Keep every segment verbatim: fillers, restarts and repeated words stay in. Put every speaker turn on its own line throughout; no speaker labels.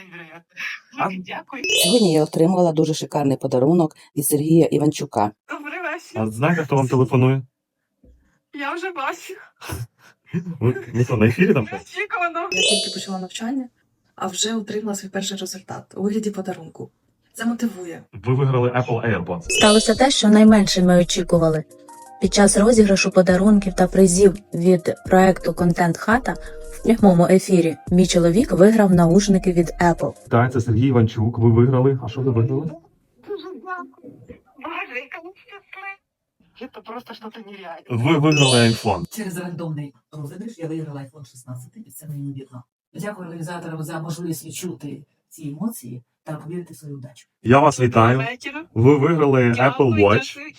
А?
Дякую.
Сьогодні я отримала дуже шикарний подарунок від Сергія Іванчука.
Добрий вечір.
А знаєте, хто вам телефонує?
Я вже бачу.
Ви ну, що, на ефірі там?
Неочікувано.
Я тільки почала навчання, а вже отримала свій перший результат у вигляді подарунку. Це мотивує.
Ви виграли Apple AirPods.
Сталося те, що найменше ми очікували. Під час розіграшу подарунків та призів від проекту «Контент Хата» в прямому ефірі мій чоловік виграв наушники від Apple.
Так, це Сергій Іванчук. Ви виграли. А що ви виграли?
Дуже дякую. Боже, яка ви щаслива. Це просто щось нереальне.
Ви виграли iPhone.
Через рандомний розіграш я виграла айфон шістнадцять, і це неймовірно. Дякую організаторам за можливість відчути ці емоції та повірити в свою удачу.
Я вас вітаю.
Вечора.
Ви виграли
Дякую,
Apple Watch.
дякую.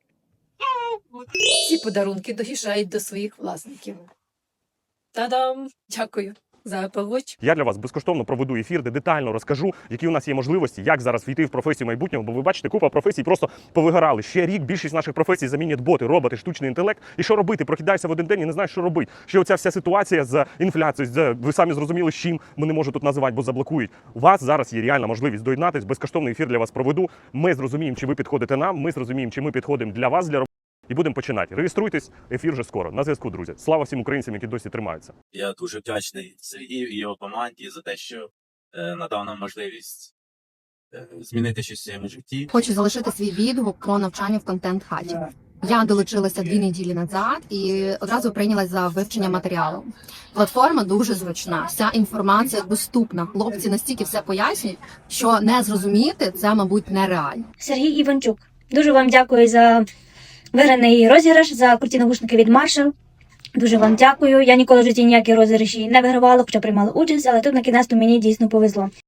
Ці подарунки доїжджають до своїх власників. Та-дам! Дякую за Apple Watch.
Я для вас безкоштовно проведу ефір, де детально розкажу, які у нас є можливості, як зараз війти в професію майбутнього, бо ви бачите, купа професій просто повигорали. Ще рік більшість наших професій замінять боти, роботи, штучний інтелект. І що робити? Прокидаєшся в один день і не знаєш, що робити. Ще оця вся ситуація з інфляцією, з, ви самі зрозуміли, з чим ми не можу тут називати, бо заблокують. У вас зараз є реальна можливість доєднатись, безкоштовний ефір для вас проведу. Ми зрозуміємо, чи ви підходите нам, ми зрозуміємо, чи ми підходимо для вас, для роботи. І будемо починати. Реєструйтесь, ефір вже скоро. На зв'язку, друзі. Слава всім українцям, які досі тримаються.
Я дуже вдячний Сергію і його команді за те, що е, надав нам можливість е, змінити щось в своєму житті.
Хочу залишити свій відгук про навчання в контент-хаті. Я долучилася дві неділі назад і одразу прийнялась за вивчення матеріалу. Платформа дуже зручна, вся інформація доступна. Хлопці настільки все пояснюють, що не зрозуміти це, мабуть, нереально.
Сергій Іванчук, дуже вам дякую за виграний розіграш, за круті навушники від Marshall. Дуже вам дякую. Я ніколи в житті ніякі розіграші не вигравала, хоча приймала участь, але тут на кінець мені дійсно повезло.